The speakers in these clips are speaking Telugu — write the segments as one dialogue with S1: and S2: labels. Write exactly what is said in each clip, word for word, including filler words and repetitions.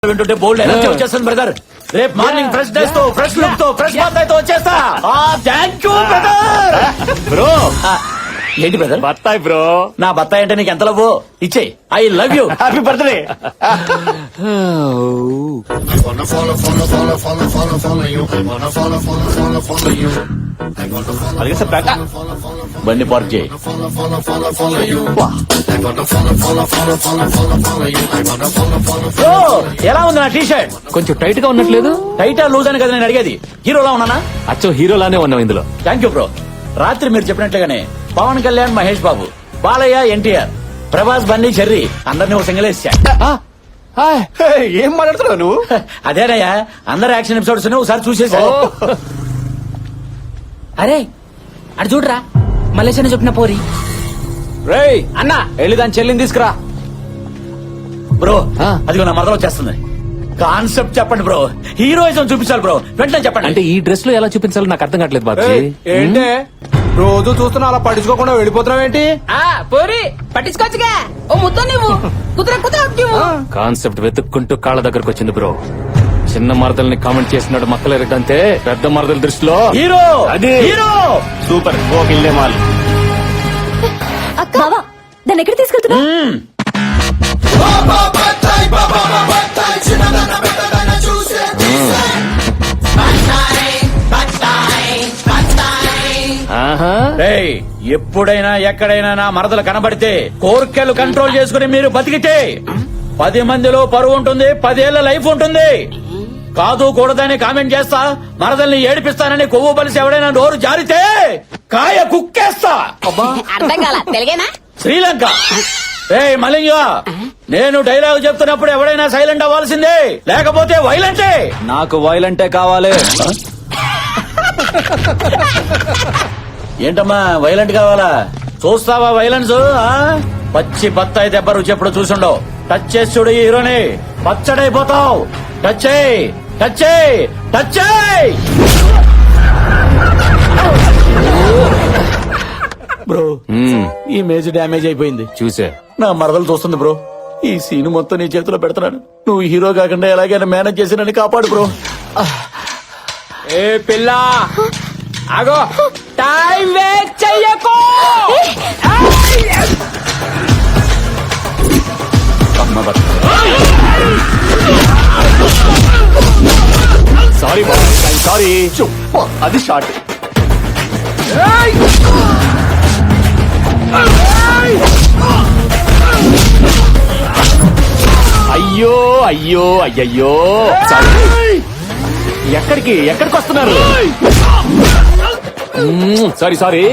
S1: వింటుంటే బోల్డ్ ఎనర్జీ వచ్చేస్తుంది బ్రదర్. రేపు మార్నింగ్ ఫ్రెష్ డ్రెస్ తో ఫ్రెష్ లుక్ తో ఫ్రెష్ బత్తాయి తో వచ్చేస్తా. Thank you brother.
S2: బ్రో
S1: ఏంటి బ్రదర్?
S2: బత్తాయి బ్రో.
S1: నా బత్తాయి అంటే నీకు ఎంత లవ్ ఇచ్చే. I love you. Happy birthday.
S2: అలాగే సార్ బ్యాక్
S1: బండి పార్క్ చేయి. బ్రో, ఎలా ఉంది నా టీ షర్ట్?
S2: కొంచెం టైట్ గా ఉన్నట్లేదు.
S1: టైటా లూజ్ అని కదా నేను అడిగేది. హీరోలా ఉన్నానా?
S2: అచ్చో హీరోలానే ఉన్నాం ఇందులో.
S1: Thank you bro. రాత్రి మీరు చెప్పినట్లుగానే పవన్ కళ్యాణ్, మహేష్ బాబు, బాలయ్య, ఎన్టీఆర్, ప్రభాస్, బన్నీ, చెర్రీ అందరినీ ఒక సింగిల్ వేసా.
S2: ఏం మాట్లాడుతున్నావు నువ్వు?
S1: అదేనయ్యా, అందరు యాక్షన్ ఎపిసోడ్స్ ఒకసారి చూసేసా.
S3: అరే అటు చూడరా, మలేషియా చెప్పిన పోరి.
S2: రేయ్ అన్న వెళ్ళి దాని చెల్లిని తీసుకురా.
S1: బ్రో
S2: ఆ.
S1: అదిగో నా మరదలు వచ్చేస్తుంది. కాన్సెప్ట్ చెప్పండి బ్రో. హీరోయిజం చూపించాలి బ్రో. వెంటనే చెప్పండి.
S2: అంటే ఈ డ్రెస్ లో ఎలా చూపించాలో నాకు అర్థం కావట్లేదు బాబీ.
S4: ఏంటే రోజు చూస్తున్నా అలా పట్టించుకోకుండా వెళ్ళిపోతున్నావు ఏంటి?
S3: ఆ పోరి పట్టించుకోవచ్చుగా. ఓ ముద్దు నువ్వు కుదుర కుదుర
S2: కాన్సెప్ట్ వెతుక్కుంటూ కాళ్ళ దగ్గరకు వచ్చింది బ్రో. చిన్న మరదల్ని కామెంట్ చేసినాడు మక్కలు ఎరగంటే పెద్ద మరదల దృష్టిలో
S1: హీరో
S2: అది
S1: హీరో
S2: సూపర్. ఓకే మాల్
S5: అక్క బావా దాన్ని ఎక్కడ తీసుకెళ్తున్నా?
S2: ఆహా
S1: రేయ్, ఎప్పుడైనా ఎక్కడైనా నా మరదలు కనబడితే కోర్కెలు కంట్రోల్ చేసుకుని మీరు బతికితే పది మందిలో పరువు ఉంటుంది, పదేళ్ల లైఫ్ ఉంటుంది. కాదు కూడదని కామెంట్ చేస్తా, మరదల్ని ఏడిపిస్తానని కొవ్వు బలిసి ఎవడైనా నోరు జారితే కాయ కుక్కేస్తా.
S5: అర్థం కాల తెలుగేనా?
S1: శ్రీలంక. రే మలింగ, నేను డైలాగ్ చెప్తున్నప్పుడు ఎవడైనా సైలెంట్ అవ్వాల్సిందే, లేకపోతే వైలెంటే.
S4: నాకు వైలెంటే కావాలి.
S1: ఏంటమ్మా వైలెంట్ కావాలా? చూస్తావా వైలెన్స్? పచ్చి బత్తాయి దెబ్బ రుచి ఎప్పుడు చూసుండవు. టచ్ చేసి చూడు ఈ హీరోని, పచ్చడైపోతావు. టచ్ చేయి, టచ్ చేయి, టచ్ చేయి. బ్రో ఈ మేజ్ డ్యామేజ్ అయిపోయింది.
S2: చూసే
S1: నా మరదలు చూస్తుంది బ్రో. ఈ సీన్ మొత్తం నీ చేతిలో పెడుతున్నాను. నువ్వు హీరో కాకుండా ఎలాగైనా మేనేజ్ చేసి నన్ను కాపాడు బ్రో.
S3: ఏ పిల్ల ఆగో, టైం వేస్ట్ చెయ్యకు.
S2: సారీ సారీ అది షార్ట్. అయ్యో అయ్యో అయ్యయ్యో సారీ. ఎక్కడికి ఎక్కడికి వస్తున్నారు? Sorry sorry.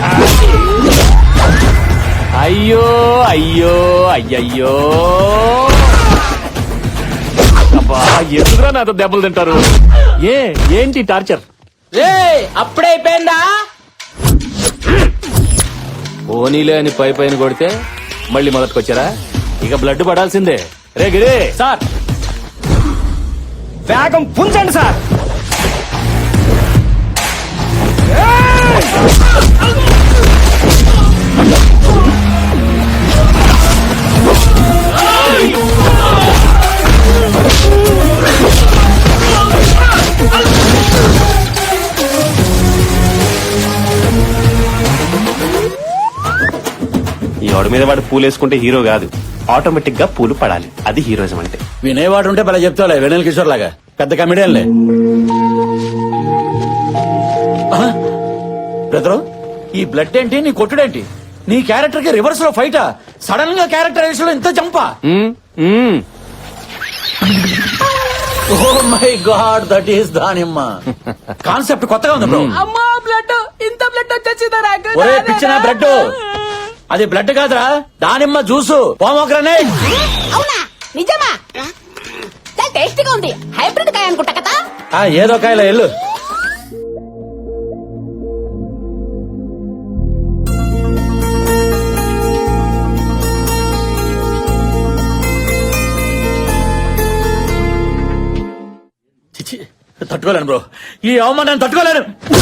S2: అయ్యో అయ్యో అయ్యయ్యో అబ్బా, ఎందుకురా నాతో దెబ్బలు తింటారు? ఏ ఏంటి టార్చర్?
S3: రే అప్పుడే అయిపోయిందా?
S2: పోనీలే అని పై పైన కొడితే మళ్ళీ మొదటికొచ్చారా? ఇక బ్లడ్ పడాల్సిందే. రే గిరే
S4: సార్ వేగం పుంజండి సార్.
S6: ఈ వాడి మీద వాడు పూలు వేసుకుంటే హీరో కాదు, ఆటోమేటిక్ గా పూలు పడాలి. అది హీరోయిజం అంటే.
S1: వినేవాడు ఉంటే భలే చెప్తావులే, వెనల్ కిషోర్ లాగా పెద్ద కమెడియన్లే. బ్రదరు, ఈ బ్లడ్ ఏంటి, నీ కొట్టుడేంటి? నీ క్యారెక్టర్ కి రివర్స్ లో ఫైటా? సడన్ గా క్యారెక్టరైజేషన్ లో ఇంత జంపా?
S2: మ్మ్, మ్మ్.
S1: Oh my god, that is దానిమ్మ. కాన్సెప్ట్ కొత్తగా ఉంది బ్రో.
S3: అమ్మా బ్లడ్, ఇంత బ్లడ్ వచ్చేసిందా నాకు?
S1: ఒరే పిచ్చిన బ్లడ్, అది బ్లడ్ కాదురా, దానిమ్మ జ్యూసు, పోమోగ్రనేట్.
S5: అవునా నిజమా? చాలా టేస్టీగా ఉంది. హైబ్రిడ్ కాయ అనుకుంటా కదా.
S1: ఆ, ఏదో కాయలో ఎల్లు. చిచి, తట్టుకోలేను బ్రో, ఈ అవమానాన్ని తట్టుకోలేను.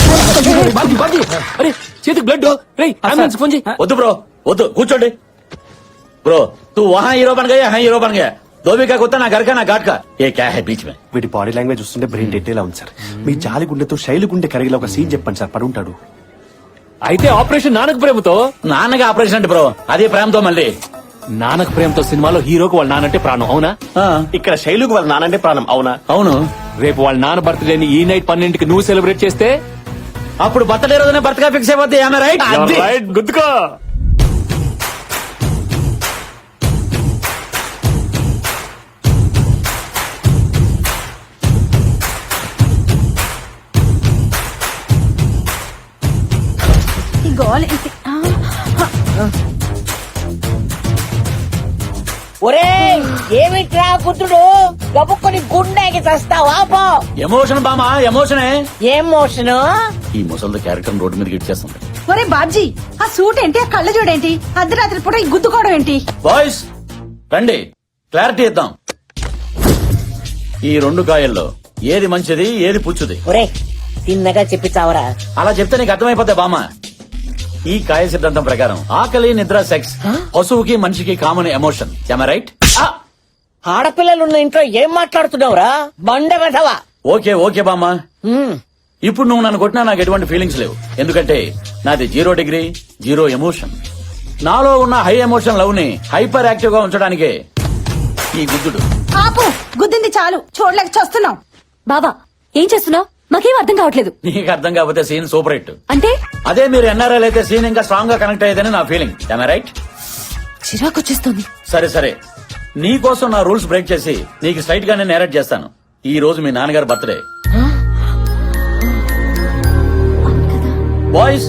S2: అరే చేతికి బ్లడ్. అంబులెన్స్ ఫోన్ చేయి.
S1: వద్దు బ్రో, వద్దు, కూర్చోండి. ब्रो तू वहाँ हीरो बन गया, यहाँ हीरो बन गया. దోబి కా కుత్తా నా గరకా నా ఘాట్ కా ఏ క్యా హై బీచ్ మే.
S6: వీటి బాడీ లాంగ్వేజ్ చూస్తుంటే బ్రెయిన్ డెడ్ ఎలా ఉంది సార్. మీ జాలి గుండెతో శైలి గుండె కరిగిలా ఒక సీన్ చెప్పండి సార్, పడుంటాడు.
S2: అయితే ఆపరేషన్ నానక ప్రేమతో.
S1: నాన్నగా ఆపరేషన్ అంటే బ్రో, అదే ప్రేమతో మళ్ళీ.
S2: నానక ప్రేమతో సినిమాలో హీరోకి వాళ్ళ నానంటే ప్రాణం, అవునా?
S1: ఆ,
S6: ఇక్కడ శైలుకు వాళ్ళ నానంటే ప్రాణం, అవునా?
S1: అవును.
S2: రేపు వాళ్ళ నాన్న బర్త్డేని ఈ నైట్ పన్నెండుకి నువ్వు సెలబ్రేట్ చేస్తే
S1: అప్పుడు బర్త్డే రోజునే బర్త్గా ఫిక్స్ అయిపోద్ది. ఆమె రైట్.
S2: You're right, గుద్దుకో.
S3: ఈ గోల ఏంటి? ఆ,
S5: ఒరే ఏమిట్రా పుత్రుడు గబుక్కొని గుండెకి చస్తావా పో.
S1: ఎమోషన్ బామా, ఎమోషనే.
S5: ఏం మోషను?
S1: ఈ ముసలి క్యారెక్టర్ రోడ్డు మీదకి ఇచ్చేస్తుంది.
S3: ఒరే బాబ్జీ, ఆ సూట్ ఏంటి, ఆ కళ్ళ చూడేంటి, అర్ధరాత్రి పూట ఈ గుద్దుకోవడం ఏంటి?
S1: బాయ్స్ రండి, క్లారిటీ ఇద్దాం. ఈ రెండు కాయల్లో ఏది మంచిది, ఏది పుచ్చుది?
S5: ఒరే తిన్నగా చెప్పి చావరా.
S1: అలా చెప్తే నీకు అర్థమైపోద్ది బామ్మ. ఈ కాయ సిద్ధాంతం ప్రకారం ఆకలి, నిద్ర, సెక్స్ పశువుకి మనిషికి కామన్ ఎమోషన్. రైట్?
S5: ఆడపిల్లలున్న ఇంట్లో ఏం మాట్లాడుతున్నావురా బండ వెధవా.
S1: ఓకే ఓకే బామ్మ. ఇప్పుడు నువ్వు నన్ను కొట్టినా నాకు ఎటువంటి ఫీలింగ్స్ లేవు, ఎందుకంటే నాది జీరో డిగ్రీ జీరో ఎమోషన్. నాలో ఉన్న హై ఎమోషన్ లవ్ ని హైపర్ యాక్టివ్ గా ఉంచడానికే ఈ గుద్దుడు.
S3: ఆపు, గుద్దింది చాలు, చూడలేక చస్తున్నాం.
S7: బావా ఏం చేస్తున్నావు? మాకేం అర్థం కావట్లేదు.
S1: నీకు అర్థం కాకపోతే సీన్ సూపర్ హిట్.
S7: అంటే
S1: అదే మీరు ఎన్ఆర్ఎల్ అయితే సీన్ ఇంకా స్ట్రాంగ్ గా కనెక్ట్ అయ్యేదని నా ఫీలింగ్. రైట్?
S7: చిరాకు వచ్చేస్తుంది.
S1: సరే సరే, నీ కోసం నా రూల్స్ బ్రేక్ చేసి నీకు స్ట్రైట్ గానే నేరేట్ చేస్తాను. ఈ రోజు మీ నాన్నగారు బర్త్డే. బాయ్స్,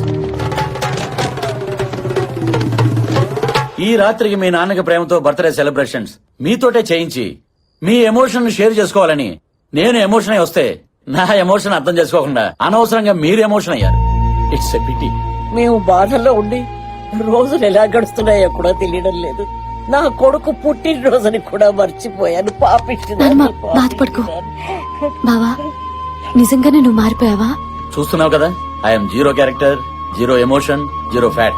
S1: ఈ రాత్రికి మీ నాన్నకి ప్రేమతో బర్త్డే సెలబ్రేషన్స్ మీతోటే చేయించి మీ ఎమోషన్ షేర్ చేసుకోవాలని నేను ఎమోషన్ అయి వస్తే నా ఎమోషన్ అర్థం చేసుకోకుండా అనవసరంగా మీరు ఎమోషన్ అయ్యారు. It's a pity.
S5: మేము బాధల్లో ఉండి రోజులు ఎలా గడుస్తున్నాయో కూడా తెలియడం లేదు. నా కొడుకు పుట్టినరోజుని కూడా మర్చిపోయాను. పాపిష్టి
S7: నాన్నమ్మ, బాధపడుకో. బావా నిజంగానే నువ్వు మారిపోయావా?
S1: చూస్తున్నావు కదా, I'm zero character, zero emotion, zero fat.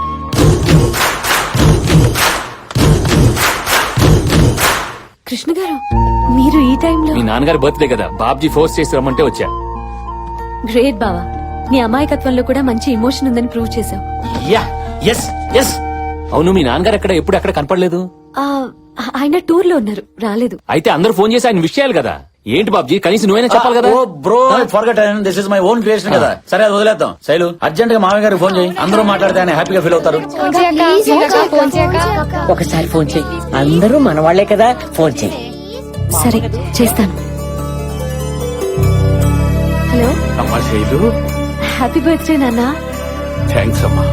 S7: Krishna garu, మీరు ఈ టైంలో?
S2: మీ నాన్నగారి బర్త్డే కదా, బాబ్జీ ఫోర్స్ చేసి రమ్మంటే వచ్చా.
S7: గ్రేట్ బావా, నీ అమాయకత్వంలో కూడా మంచి ఎమోషన్ ఉందని ప్రూవ్ చేశావు.
S1: Yeah, yes yes.
S2: అవును, మీ నాన్నగారు ఎక్కడ ఎప్పుడు ఎక్కడ కనపడలేదు?
S7: ఆ, ఆయన టూర్ లో ఉన్నారు, రాలేదు.
S2: అయితే అందరూ ఫోన్ చేసి ఆయన విషయాలు కదా. ఏంటి బాబ్జీ, కనీసం నువ్వైనా చెప్పాలి కదా.
S1: Oh bro, forget this is my own creation కదా. సరే అది వదిలేద్దాం. శైలు, అర్జెంట్ గా మామయ్య గారికి ఫోన్ చేయి. అందరూ మాట్లాడితే ఆయన హ్యాపీగా ఫీల్ అవుతారు.
S5: ఒకసారి ఫోన్ చెయ్యి, అందరూ మన వాళ్లే కదా, ఫోన్ చెయ్యి.
S7: సరే చేస్తాను. హలో,
S2: అమ్మా శైలు,
S7: హ్యాపీ బర్త్డే నాన్న.
S2: థ్యాంక్స్ అమ్మా.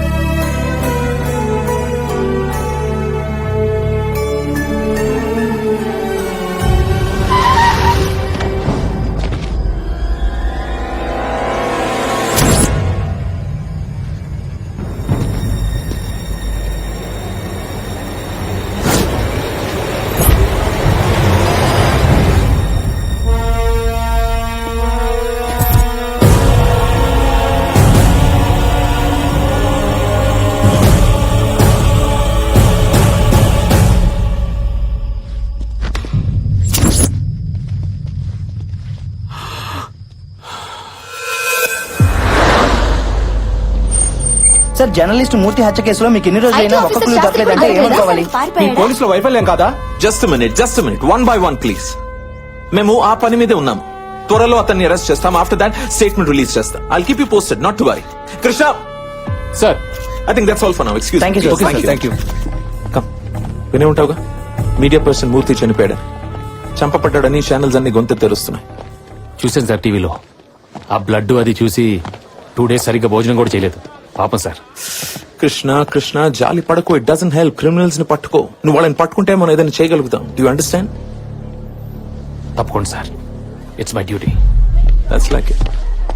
S8: సార్, జర్నలిస్ట్ మూర్తి హత్య కేసులో మీకు ఎన్ని రోజులైనా ఒక్క క్లూ దక్కలేదంటే ఏమనుకోవాలి?
S4: మీ పోలీసుల వైఫల్యం కాదా?
S9: Just minute just minute one by one please. మేము ఆ పని మీదే ఉన్నాం. త్వరలో అతన్ని అరెస్ట్ చేస్తాం. ఆఫ్టర్ దాట్ స్టేట్మెంట్ రిలీజ్ చేస్తాం. I'll keep you posted, not to worry. Krishna,
S2: sir,
S9: I think that's all for now. Excuse
S8: Thank you, sir.
S9: మీ.
S4: Thank you.
S9: కమ్, వినే ఉంటావుగా, మీడియా పర్సన్ మూర్తి చనిపోయాడు, చంపబడ్డాడని ఛానల్స్ అన్ని గొంతు తెరుస్తున్నాయి.
S2: చూసాను సార్ టీవీలో. ఆ బ్లడ్ అది చూసి టూ డేస్ సరిగ్గా భోజనం కూడా చేయలేదు. పాపం సార్.
S9: కృష్ణ కృష్ణ జాలి పడకు. It doesn't help. క్రిమినల్స్ ని పట్టుకో. నువ్వు వాళ్ళని పట్టుకుంటే మనం ఏదైనా చేయగలుగుతాం. Do you understand?
S2: తప్పకుండా sir, it's my duty.
S9: That's like it.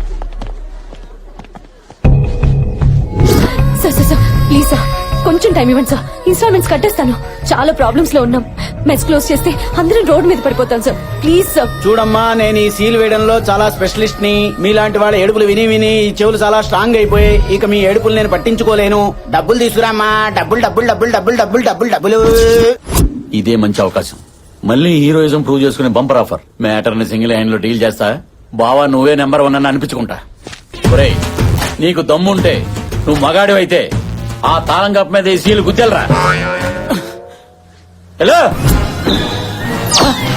S7: Sir sir sir please sir, కొంచెం టైం ఇవ్వండి సార్. ఇన్స్టాల్మెంట్స్ కట్టేస్తాను. చాలా ప్రాబ్లమ్స్ లో ఉన్నాం. మెస్ క్లోజ్ చేస్తే అందరం రోడ్ మీద పడిపోతాం సార్. Please sir.
S8: చూడమ్మా, నేను ఈ సీల్ వేయడంలో చాలా స్పెషలిస్ట్ ని. మీలాంటి వాళ్ళ ఏడుపులు విని విని ఈ చెవులు చాలా స్ట్రాంగ్ అయిపోయి ఇక మీ ఏడుపులు నేను పట్టించుకోలేను. డబ్బులు తీసుకురామ్మా. డబ్బులు డబ్బులు డబ్బులు డబ్బులు డబ్బులు డబ్బులు డబ్బులు.
S1: ఇదే మంచి అవకాశం. మళ్ళీ హీరోయిజం ప్రూవ్ చేసుకునే బంపర్ ఆఫర్ మ్యాటర్ ని సింగిల్ హ్యాండ్ లో డీల్ చేస్తా బావా నువ్వే నెంబర్ వన్ అని అనిపించుకుంటా ఒరేయ్ నీకు దమ్ముంటే నువ్వు మగాడివైతే ఆ తాళం కప్ప మీద ఈ సీలు గుద్దెలరా హలో